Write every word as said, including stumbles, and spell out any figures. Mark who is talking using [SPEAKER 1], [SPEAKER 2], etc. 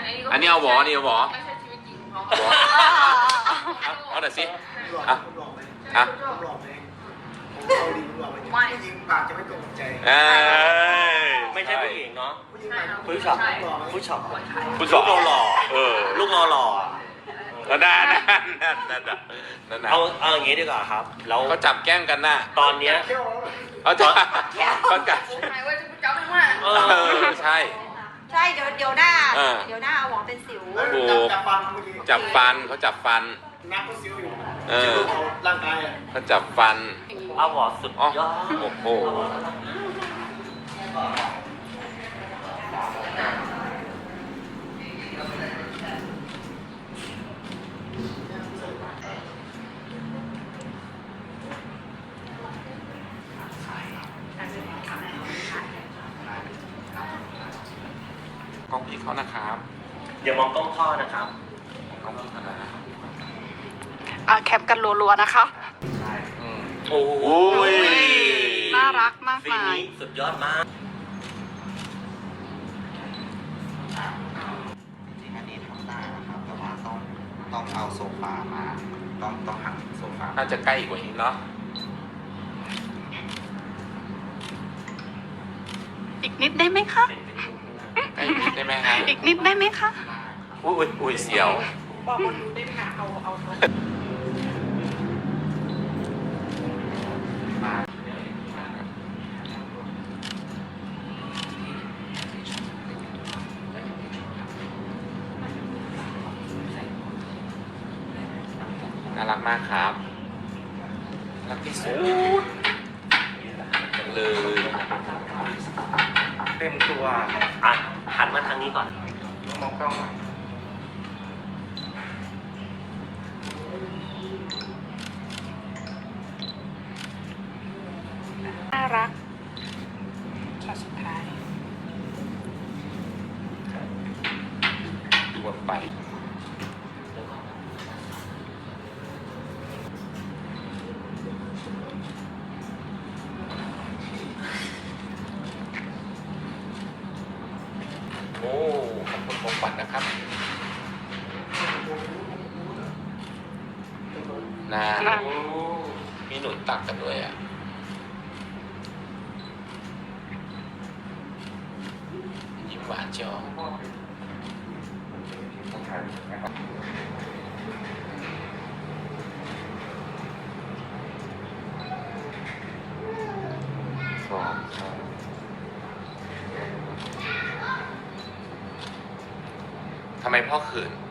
[SPEAKER 1] อันนี้เอาหวอนี่เอาหวอ
[SPEAKER 2] ไม่ใช่ชีวิตจริงของ
[SPEAKER 1] หวอ
[SPEAKER 2] เขา
[SPEAKER 1] เอาเอาหน่อยสิ
[SPEAKER 3] หลอก
[SPEAKER 1] อ่ะ
[SPEAKER 3] หลอกไหม
[SPEAKER 1] อ่ะ
[SPEAKER 3] หลอกไหมผมเอาดีหลอกไหมผู้หญิงปากจะไม่ตรงใจ
[SPEAKER 1] เอ้ย
[SPEAKER 4] ไม่ใช่ผู้หญิงเนาะ
[SPEAKER 3] ผู้หญิงปาก
[SPEAKER 4] ผู้ชายผู้ชาย
[SPEAKER 1] คุณส
[SPEAKER 4] ลู
[SPEAKER 1] อก
[SPEAKER 4] เราหล่อ
[SPEAKER 1] เออ
[SPEAKER 4] ลูกเราหล่ออะ
[SPEAKER 1] แล้วนั่นนั่นนั่นนั่นนั่น
[SPEAKER 4] เอาเอาอย่างงี้ดีกว่าครับแล้ว
[SPEAKER 1] เขาจับแกล้งกันน่ะ
[SPEAKER 4] ตอนเนี้ย
[SPEAKER 3] เที่ยว
[SPEAKER 1] เขาจับเขาจับ
[SPEAKER 2] หายไว้จะจับได้ว่า
[SPEAKER 4] เอ
[SPEAKER 1] เอ
[SPEAKER 4] อ
[SPEAKER 1] อใช่
[SPEAKER 5] ใช่เดี๋ยวเดี๋ยวหน้า
[SPEAKER 1] เออ
[SPEAKER 5] เดี๋ยวหน้าเอาหวองเป็นสิว
[SPEAKER 3] แล้วจับฟันเมื่อกี้
[SPEAKER 1] จับฟันเขาจับฟัน
[SPEAKER 3] นักก็ซิ้วอยู่
[SPEAKER 1] เออ
[SPEAKER 3] ซิ้วเขาร่างกายอ่ะ
[SPEAKER 1] เขาจับฟัน
[SPEAKER 4] เอาหวอสุด
[SPEAKER 1] อ๋อย
[SPEAKER 4] อด
[SPEAKER 1] โอ้โหกล้องพี่เขานะครับ
[SPEAKER 4] อย่ามองกล้องพ่อนะครับ
[SPEAKER 1] กล้องพี่เขานะ
[SPEAKER 6] อ่ะแคปกันรัวๆนะคะ
[SPEAKER 1] อืม
[SPEAKER 4] โอ้โห
[SPEAKER 1] โอ้ย
[SPEAKER 6] น่ารักมาก
[SPEAKER 4] ฟี
[SPEAKER 6] มาย
[SPEAKER 4] นี้สุดยอดมาก
[SPEAKER 7] จริงๆอันนี้ทำได้นะครับ แต่ว่าต้องต้องเอาโซฟามา ต้องต้องหักโซฟา
[SPEAKER 1] น่าจะใกล้กว่านี้เนาะ
[SPEAKER 6] อีกนิดได้ไหมคะ
[SPEAKER 1] ใกล้นิดได้ไหมฮะ
[SPEAKER 6] อีกนิดได้ไหมคะ
[SPEAKER 1] อุ้ยอุ้ยเสียว
[SPEAKER 2] บอกคนดูได้ไหมคะเอาเอา
[SPEAKER 1] น่ารักมากครับรักที่สุดจังเลย
[SPEAKER 7] เต็มตัว
[SPEAKER 4] อ่ะหันมาทางนี้ก่อน
[SPEAKER 7] มองกล้องหน่อย
[SPEAKER 6] น่ารักช็อตสุดท้าย
[SPEAKER 1] วนไปโอ้ขอบคุณของขวัญนะครับน่า
[SPEAKER 6] น่า
[SPEAKER 1] มีหนุนตักกันด้วยอ่ะยิ้มหวานเชียวสองทำไมพ่อเขิน